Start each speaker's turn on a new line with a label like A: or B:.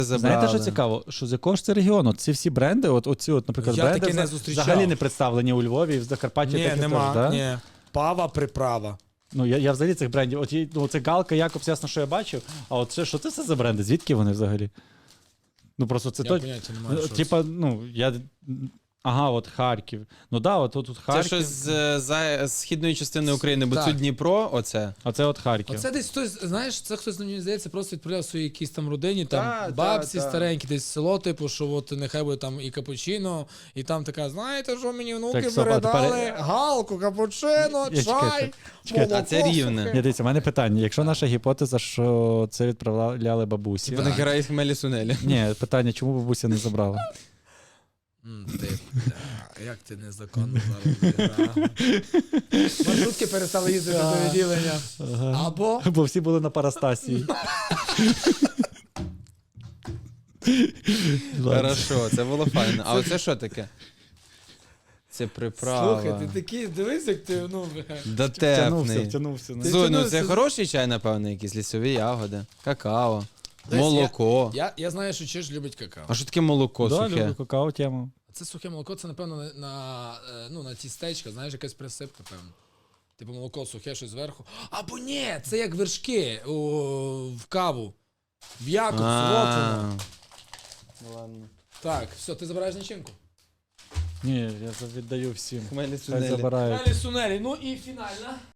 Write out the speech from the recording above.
A: Знаєте, що цікаво? Що з якого ж це регіону? Ці всі бренди, оці, наприклад,
B: Я
A: бренди
B: таки не зустрічав.
A: взагалі не представлені у Львові і в Закарпатті
B: Ні,
A: таких
B: нема,
A: теж, да?
B: ні. Пава, приправа.
A: Ну, я взагалі цих брендів, це Галка, Якобс, ясно, що я бачив, а от це, що це все за бренди? Звідки вони взагалі? Ну, просто це
B: Я поняття не маю, що
A: типа, ага, от Харків. Ну да, от тут Харків.
C: Це щось з східної частини України, бо
B: Так.
C: це Дніпро, оце.
A: А це от Харків.
B: Оце десь хтось, знаєш, це хтось, мені здається, просто відправляв своїй якійсь там родині, там
C: Та,
B: бабці
C: та.
B: старенькі, десь село, типу, що от нехай буде там і капучино, і там така, знаєте, що мені внуки
A: Так, стоп, а
B: передали?
A: тепер-
B: Галку, капучино,
A: Я-
B: чай,
A: чекайте.
C: А це рівне.
B: сухе.
A: Ні, дивіться, у мене питання. Якщо наша гіпотеза, що це відправляли бабусі.
C: Типа нахера їх хмелі сунелі.
A: Ні, питання, чому бабуся не забрала?
B: Ти, як ти незаконно зараз зіграв. Маршрутки перестали їздити до відділення. Або
A: Бо всі були на парастасії. Ладно.
C: Хорошо, це було файно. А оце що таке? Це приправа.
B: слухай, ти такий, дивись, як ти,
A: Втягнувся,
C: Дотепний.
A: втягнувся.
B: Ти-
C: Зой, ну
B: втягнувся.
C: це хороший чай, напевно, якісь лісові ягоди, какао,
B: Десь
C: молоко.
B: я знаю, що Чеш любить какао.
C: А що таке молоко
A: Да,
C: сухе?
A: люблю какао тему.
B: Це сухе молоко, це, напевно, на тістечка, знаєш, якась присипка, певно. Типу молоко сухе, щось зверху. Або ні, це як вершки в каву. В Якобс,
C: А.
B: от воно. Так, все, ти забираєш начинку.
A: Ні, я віддаю всім.
C: Хмелі
A: Хай
C: сунелі.
A: забирають.
B: Далі сунелі, ну і фінальна.